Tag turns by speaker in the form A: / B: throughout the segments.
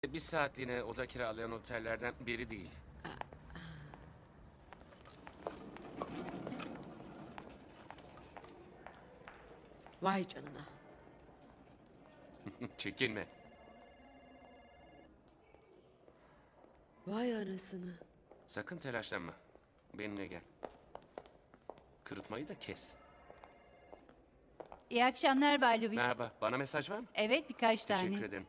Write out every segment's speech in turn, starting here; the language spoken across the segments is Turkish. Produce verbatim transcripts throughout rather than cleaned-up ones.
A: Bir saatliğine oda kiralayan otellerden biri değil.
B: Vay canına.
A: Çekinme.
B: Vay anasını.
A: Sakın telaşlanma. Benimle gel. Kırıtmayı da kes.
C: İyi akşamlar Bay Lewis.
A: Merhaba. Bana mesaj var mı?
C: Evet, birkaç tane.
A: Teşekkür ederim.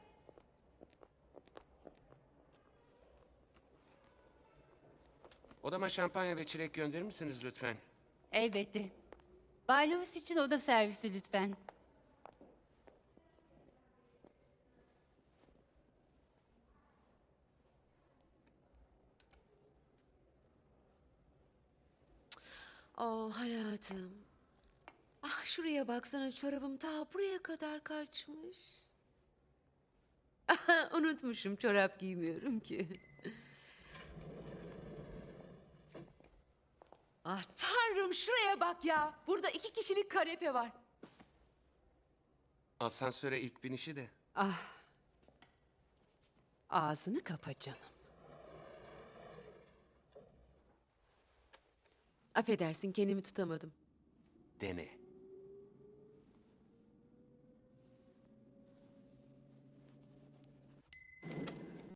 A: Odama şampanya ve çilek gönderir misiniz lütfen?
C: Elbette. Bay Lewis için oda servisi lütfen.
B: Oh hayatım. Ah şuraya baksana, çorabım ta buraya kadar kaçmış. Unutmuşum, çorap giymiyorum ki. Ah tanrım, şuraya bak ya. Burada iki kişilik kanepe var.
A: Asansöre ilk binişi de.
D: Ah. Ağzını kapa canım.
B: Affedersin, kendimi tutamadım.
A: Dene.